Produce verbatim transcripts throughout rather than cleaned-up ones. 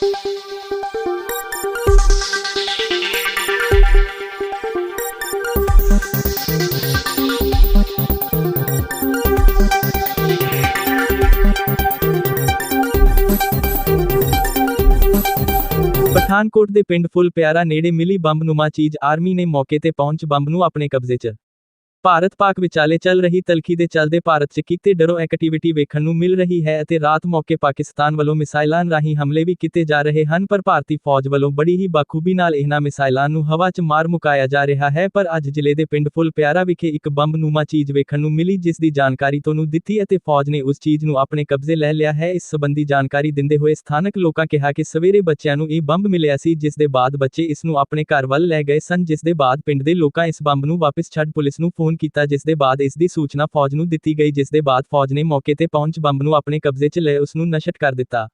ਪਠਾਨਕੋਟ ਦੇ ਪਿੰਡ ਫੁੱਲ ਪਿਆਰਾ ਨੇੜੇ ਮਿਲੀ ਬੰਬਨੁਮਾ ਚੀਜ਼, ਆਰਮੀ ਨੇ ਮੌਕੇ ਤੇ ਪਹੁੰਚ ਬੰਬ ਨੂੰ ਆਪਣੇ ਕਬਜ਼ੇ 'ਚ। ਭਾਰਤ ਪਾਕ ਵਿਚਾਲੇ ਚੱਲ ਰਹੀ ਤਲਖੀ ਦੇ ਚੱਲਦੇ ਭਾਰਤ 'ਚ ਕੀਤੇ ਡਰੋ ਐਕਟੀਵਿਟੀ ਵੇਖਣ ਨੂੰ ਮਿਲ ਰਹੀ ਹੈ ਅਤੇ ਰਾਤ ਮੌਕੇ ਪਾਕਿਸਤਾਨ ਵੱਲੋਂ ਮਿਸਾਈਲਾਂ ਰਾਹੀਂ ਹਮਲੇ ਵੀ ਕੀਤੇ ਜਾ ਰਹੇ ਹਨ, ਪਰ ਭਾਰਤੀ ਫੌਜ ਵੱਲੋਂ ਬੜੀ ਹੀ ਬਾਖੂਬੀ ਨਾਲ ਇਹਨਾਂ ਮਿਸਾਈਲਾਂ ਨੂੰ ਹਵਾ 'ਚ ਮਾਰ ਮੁਕਾਇਆ ਜਾ ਰਿਹਾ ਹੈ। ਪਰ ਅੱਜ ਜ਼ਿਲ੍ਹੇ ਦੇ ਪਿੰਡ ਫੁੱਲ ਪਿਆਰਾ ਵਿਖੇ ਇੱਕ ਬੰਬਨੁਮਾ ਚੀਜ਼ ਵੇਖਣ ਨੂੰ ਮਿਲੀ, ਜਿਸ ਦੀ ਜਾਣਕਾਰੀ ਤੁਹਾਨੂੰ ਦਿੱਤੀ ਅਤੇ ਫੌਜ ਨੇ ਉਸ ਚੀਜ਼ ਨੂੰ ਆਪਣੇ ਕਬਜ਼ੇ ਲੈ ਲਿਆ ਹੈ। ਇਸ ਸੰਬੰਧੀ ਜਾਣਕਾਰੀ ਦਿੰਦੇ ਹੋਏ ਸਥਾਨਕ ਲੋਕਾਂ ਕਿਹਾ ਕਿ ਸਵੇਰੇ ਬੱਚਿਆਂ ਨੂੰ ਇਹ ਬੰਬ ਮਿਲਿਆ ਸੀ, ਜਿਸ ਦੇ ਬਾਅਦ ਬੱਚੇ ਇਸ ਨੂੰ ਆਪਣੇ ਘਰ ਵੱਲ ਲੈ ਗਏ ਸਨ, ਜਿਸ ਦੇ ਬਾਅਦ ਪਿੰਡ ਦੇ ਲੋਕਾਂ ਇਸ ਬੰਬ ਨੂੰ ਵਾਪਸ ਛੱਡ ਪੁਲਿਸ ਨੂੰ ਫੋਨ ਕੀਤਾ, ਜਿਸ ਦੇ ਬਾਅਦ ਇਸ ਦੀ ਸੂਚਨਾ ਫੌਜ ਨੂੰ ਦਿੱਤੀ ਗਈ, ਜਿਸ ਦੇ ਬਾਅਦ ਫੌਜ ਨੇ ਮੌਕੇ ਤੇ ਪਹੁੰਚ ਬੰਬ ਨੂੰ ਆਪਣੇ ਕਬਜ਼ੇ 'ਚ ਲੈ ਉਸ ਨੂੰ ਨਸ਼ਟ ਕਰ ਦਿੱਤਾ।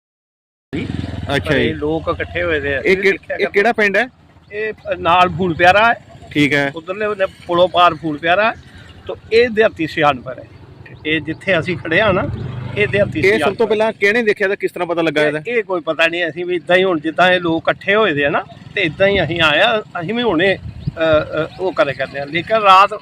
ਅੱਛਾ ਜੀ, ਲੋਕ ਇਕੱਠੇ ਹੋਏ ਦੇ ਆ। ਇਹ ਇਹ ਕਿਹੜਾ ਪਿੰਡ ਹੈ? ਇਹ ਨਾਲ ਫੂਲ ਪਿਆਰਾ ਹੈ, ਠੀਕ ਹੈ। ਉਧਰਲੇ ਪੁਲੋਂ ਪਾਰ ਫੂਲ ਪਿਆਰਾ ਤੋਂ ਇਹ ਦਿਹਾਤੀ ਸਿਆਣਪੁਰ ਹੈ। ਇਹ ਜਿੱਥੇ ਅਸੀਂ ਖੜੇ ਆ ਨਾ, ਇਹ ਦਿਹਾਤੀ ਇਹ ਸਭ ਤੋਂ ਪਹਿਲਾਂ ਕਿਹਨੇ ਦੇਖਿਆ ਤਾਂ ਕਿਸ ਤਰ੍ਹਾਂ ਪਤਾ ਲੱਗਾ ਇਹਦਾ? ਇਹ ਕੋਈ ਪਤਾ ਨਹੀਂ, ਅਸੀਂ ਵੀ ਇਦਾਂ ਹੀ ਹੁਣ ਜਿੱਦਾਂ ਇਹ ਲੋਕ ਇਕੱਠੇ ਹੋਏ ਦੇ ਆ ਨਾ, ਤੇ ਇਦਾਂ ਹੀ ਅਸੀਂ ਆਇਆ, ਅਸੀਂ ਵੀ ਹੁਣੇ ਉਹ ਕਰੇ ਕਰਦੇ ਆ। ਲੇਕਿਨ ਰਾਤ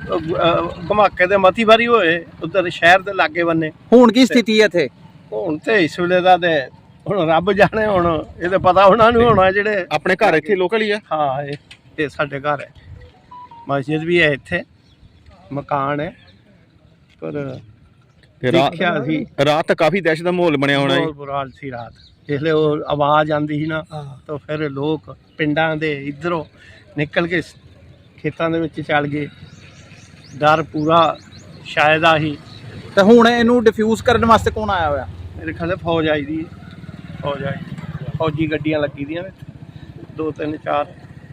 ਧਮਾਕੇ ਦੇ ਮਤੀ ਵਾਰੀ ਹੋਏ ਉਧਰ ਸ਼ਹਿਰ ਦੇ ਲਾਗੇ ਬੰਨੇ। ਹੁਣ ਕੀ ਸਥਿਤੀ ਹੈ ਇੱਥੇ? ਹੁਣ ਤੇ ਇਸ ਵੇਲੇ ਦਾ ਤੇ ਹੁਣ ਰੱਬ ਜਾਣੇ, ਹੁਣ ਇਹ ਤੇ ਪਤਾ ਉਹਨਾਂ ਨੂੰ ਹੋਣਾ ਜਿਹੜੇ ਆਪਣੇ ਘਰ ਇੱਥੇ ਲੋਕਲ ਹੀ ਆ। ਹਾਂ, ਇਹ ਇਹ ਸਾਡੇ ਘਰ ਹੈ, ਮਸਜਿਦ ਵੀ ਹੈ ਇੱਥੇ, ਮਕਾਨ ਹੈ। ਪਰ ਦੇਖਿਆ ਸੀ ਰਾਤ ਤਾਂ ਕਾਫੀ ਦਹਿਸ਼ਤ ਦਾ ਮਾਹੌਲ ਬਣਿਆ ਹੋਣਾ। ਬਹੁਤ ਬੁਰਾ ਹਾਲ ਸੀ ਰਾਤ, ਜਿਸਲੇ ਉਹ ਆਵਾਜ਼ ਆਉਂਦੀ ਸੀ ਨਾ, ਤਾਂ ਫਿਰ ਲੋਕ ਪਿੰਡਾਂ ਦੇ ਇੱਧਰੋਂ ਨਿਕਲ ਕੇ ਖੇਤਾਂ ਦੇ ਵਿੱਚ ਚੱਲ ਗਏ। ਡਰ ਪੂਰਾ ਸ਼ਾਇਦ ਆਹੀ। ਤੇ ਹੁਣ ਇਹਨੂੰ ਡਿਫਿਊਜ਼ ਕਰਨ ਵਾਸਤੇ ਕੌਣ ਆਇਆ ਹੋਇਆ? ਮੇਰੇ ਖਿਆਲ ਫੌਜ ਆਈ ਦੀ, ਫੌਜ ਆਈ, ਫੌਜੀ ਗੱਡੀਆਂ ਲੱਗੀ ਦੀਆਂ ਨੇ ਦੋ ਤਿੰਨ ਚਾਰ।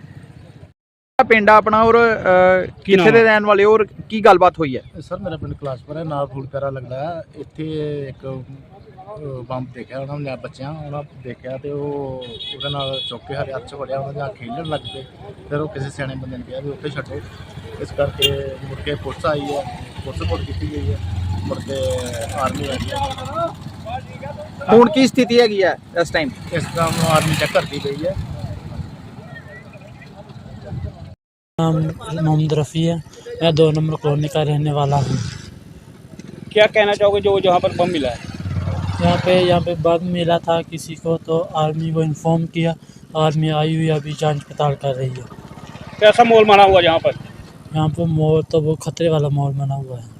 ਪਿੰਡ ਆਪਣਾ ਔਰ ਕਿੱਥੇ ਦੇ ਰਹਿਣ ਵਾਲੇ ਔਰ ਕੀ ਗੱਲਬਾਤ ਹੋਈ ਹੈ? ਸਰ ਮੇਰਾ ਪਿੰਡ ਕਲਾਸਪੁਰ ਹੈ, ਨਾਲ ਫੂਲ ਪਿਆਰਾ ਲੱਗਦਾ ਹੈ। ਇੱਥੇ ਇੱਕ ਬੰਬ ਦੇਖਿਆ ਉਹਨਾਂ ਨੇ, ਬੱਚਿਆਂ ਉਹਨਾਂ ਦੇਖਿਆ ਤੇ ਉਹ ਉਹਦੇ ਨਾਲ ਚੁੱਕ ਕੇ ਹਰੇ ਹੱਥ 'ਚ ਫੜਿਆ, ਉਹਨਾਂ ਦੇ ਨਾਲ ਖੇਡਣ ਲੱਗ ਪਏ। ਫਿਰ ਉਹ ਕਿਸੇ ਸਿਆਣੇ ਬੰਦੇ ਨੇ ਕਿਹਾ ਵੀ ਉੱਥੇ ਛੱਡੋ, ਇਸ ਕਰਕੇ ਮੁੜ ਕੇ ਪੁਲਿਸ ਆਈ ਹੈ, ਪੁਲਿਸ ਰਿਪੋਰਟ ਕੀਤੀ ਗਈ ਹੈ, ਮੁੜ ਕੇ ਆਰਮੀ ਆਈ ਹੈ। ਹੁਣ ਕੀ ਸਥਿਤੀ ਹੈਗੀ ਹੈ ਇਸ ਟਾਈਮ? ਇਸ ਟਾਈਮ ਆਰਮੀ ਚੈੱਕ ਕਰਦੀ ਗਈ है। नाम मोहम्मद रफ़ी है, मैं दो नंबर कॉलोनी का रहने वाला हूँ। क्या कहना चाहोगे जो जहाँ पर बम मिला है? यहाँ पे यहाँ पे बम मिला था किसी को, तो आर्मी को इन्फॉर्म किया, आर्मी आई हुई अभी जांच पड़ताल कर रही है। कैसा माहौल बना हुआ यहाँ पर? यहाँ पे माहौल तो वो खतरे वाला माहौल बना हुआ है।